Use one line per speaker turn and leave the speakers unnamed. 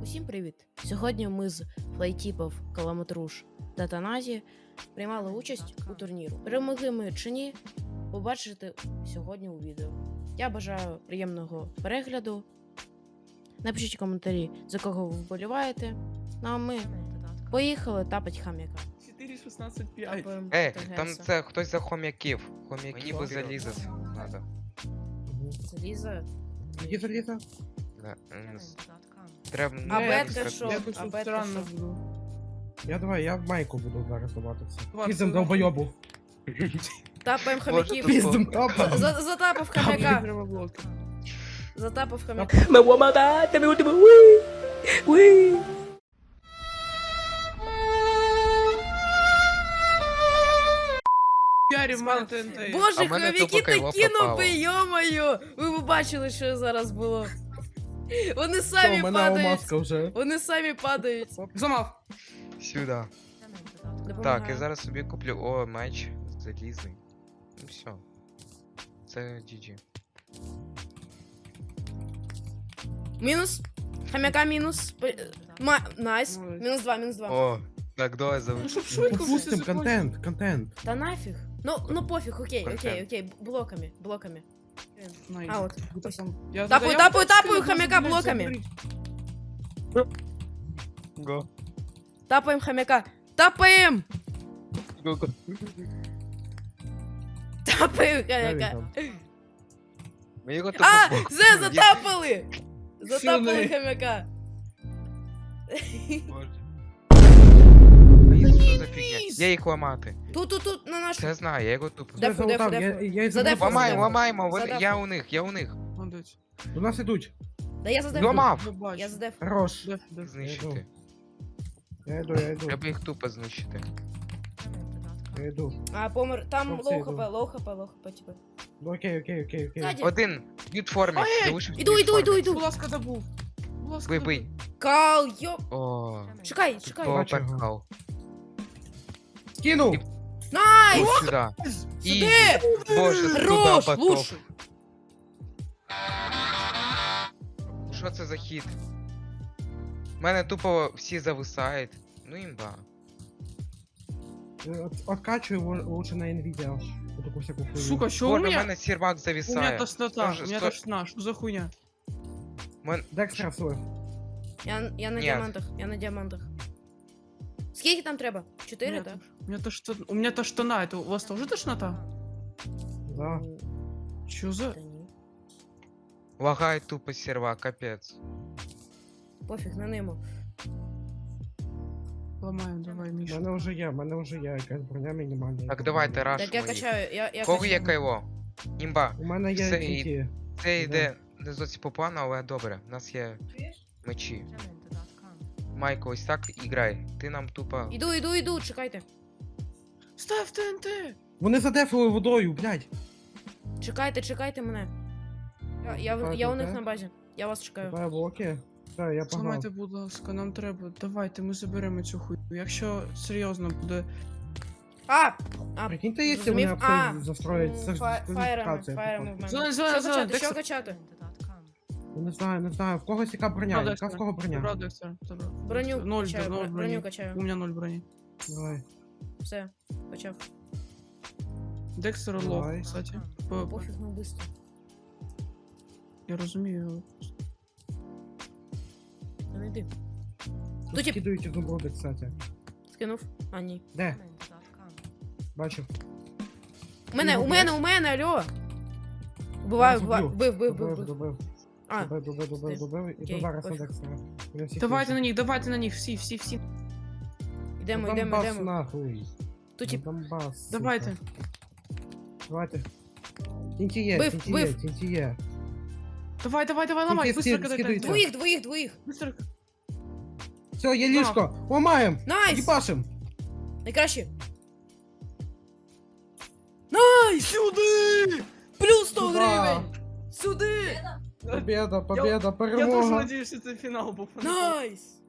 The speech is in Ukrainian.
Усім привіт! Сьогодні ми з флайтіпов Каламатруш та Таназі приймали участь у турніру. Перемогли ми чи ні, побачите сьогодні у відео. Я бажаю приємного перегляду. Напишіть коментарі, за кого ви вболіваєте. Ну а ми поїхали тапать хам'яка.
4.16.5.
Там це хтось за хом'яків. Мені би залізо надо.
Заліза.
Где залезо?
Да. Треба...
А
Ні,
бетка що?
Я тут
А бетка
странно
що?
буду.
Я в майку буду зараз ховатися.
Ладно,
Піздем
ладно.
долбойобу.
Тапаємо
Може,
хам'яків.
тут
Піздем тапа.
Затапав хам'яка.
Древоблоки.
Затапав хам'яка.
Me voy a matar, te me último, uy, uy.
Ярі в мене ТНТ.
Боже,
А в мене
хомяки
тупо кайло
такі
попало.
нуби, йо-моє! Ви б бачили, що зараз було. Вони
Все,
самі
у мене
падають.
алмазка вже.
Вони самі падають.
Зламав.
Сюди.
Допомагаю.
Так, я зараз собі куплю. О, меч залізний. Ну все. Це GG.
Мінус. Хам'яка мінус. Найс.
Молодець.
Мінус 2, мінус 2.
О, так, давай залиш.
Щоб швидко
Попустим
все
контент.
Та нафіг. Ну пофіг, окей.
Контент.
Блоками.
Найс.
А от.
Буде сам. Я
Тапаю,
задаю-
тапаю хам'яка блоками.
Го.
Тапаємо хам'яка. Тапаємо!
Го.
Тапаємо
Де він
хам'яка.
там?
Ми його тут
А!
побок-
Зе, затапали! Затапали
Сюди.
хам'яка.
Боже. А що за фігня? Я їх ламати.
Тут, на нашу.
Це знаю, я його тупо.
Де? Дефу,
Я залутав,
дефу.
я й
Задефу,
забрав.
задефу.
Ламаємо,
Задефу.
я у них.
Молодець.
До нас ідуть.
Да я задеф.
Зламав.
Я бачу.
Я задеф.
Хорош.
Деф.
Знищити.
Я йду.
Треба їх тупо знищити.
Я йду.
А, помер. Там
Хлопці,
лоу хп, типу.
Ну окей.
Ззаді.
Один. Б'ють в формі.
Ой,
Залишився
Іду.
Будь ласка, добув. Будь ласка,
Вибий.
Кал, йо.
О,
Чекай.
Бачу його.
поперкал.
Скинув.
Найс!
Ось сюди. І,
Сюди!
боже, сюди
Хорош,
потоп.
лучше.
Що це за хід? У мене тупо всі зависають. Ну імба.
Откачую лучше на Nvidia. Вот таку всяку хуйню.
Сука, що у
Боже, у
мене?
мене сервак
У мене
зависає.
тошнота.
Тоже
У мене
сто-
тошнота. Що за хуйня?
Декстра свой.
Я на
Ні.
діамантах. Скільки там треба? 4,
Ні,
так?
У меня тошнота. Это у вас тоже тошнота?
Да.
Чё за...
Та ні.
Лагає тупо сервак, капець.
Пофіг, на нему.
Ломаем, давай,
У
Миша.
мене вже є якась броня мінімальна.
Так, давайте раш.
Так я качаю, я
Кого є
качаю.
кайло? Імба.
У мене є
Все,
тільки.
Це йде не зовсім по плану, але добре. У нас є мечі. Майко, ось так і грай. Ти нам тупо.
Іду, чекайте.
Ставь ТНТ!
Вони задефили водою, блядь.
Чекайте мене. Я у них на базі. Я вас чекаю.
Кидаю блоки. Все, я погнав.
Зламайте, будь ласка, нам треба. Давайте, ми заберемо цю хуйню. Якщо серйозно буде...
А,
Прикиньте, якщо
зрозумів.
вони
А,
абсолютно застроять. Це ж
фаєрами
дискваліфікація,
в мене.
Зелень,
Що качати?
Не знаю. В когось яка броня, яка в кого броня.
Забрав Декстера.
Броню
Ноль,
качаю,
ноль
броню
броні.
качаю.
У мене 0 броні.
Давай.
Все, почав.
Декстер лох,
Давай.
кстати.
Пофіг, ну быстро.
Я розумію.
Та не йди.
Тут
Тут тип-
скидують ізумруди, кстати.
Скинув. А, ні.
Де? Бачу.
У мене, алло. Буваю, бив.
Добив.
А,
Добив. І
Окей,
то зараз на
пофіг.
Декстера. Вони всі
Давайте на них, всі.
йдемо.
Донбас нахуй.
Тут тип.
Донбас. сука.
Давайте.
Давайте. Тінті є,
Бив.
тінті є.
Давай, ломай,
Тільки
быстро кидай
скидуйте.
ТНТ.
Двоїх.
Быстро.
Все, є ліжко. Ламаєм.
Найс!
Їбашим.
Найкраще. Найс!
Сюди!
Плюс 100
Сюда.
гривень! Сюди!
Победа,
Я дуже
перемога.
надіюсь, що це фінал був.
Найс!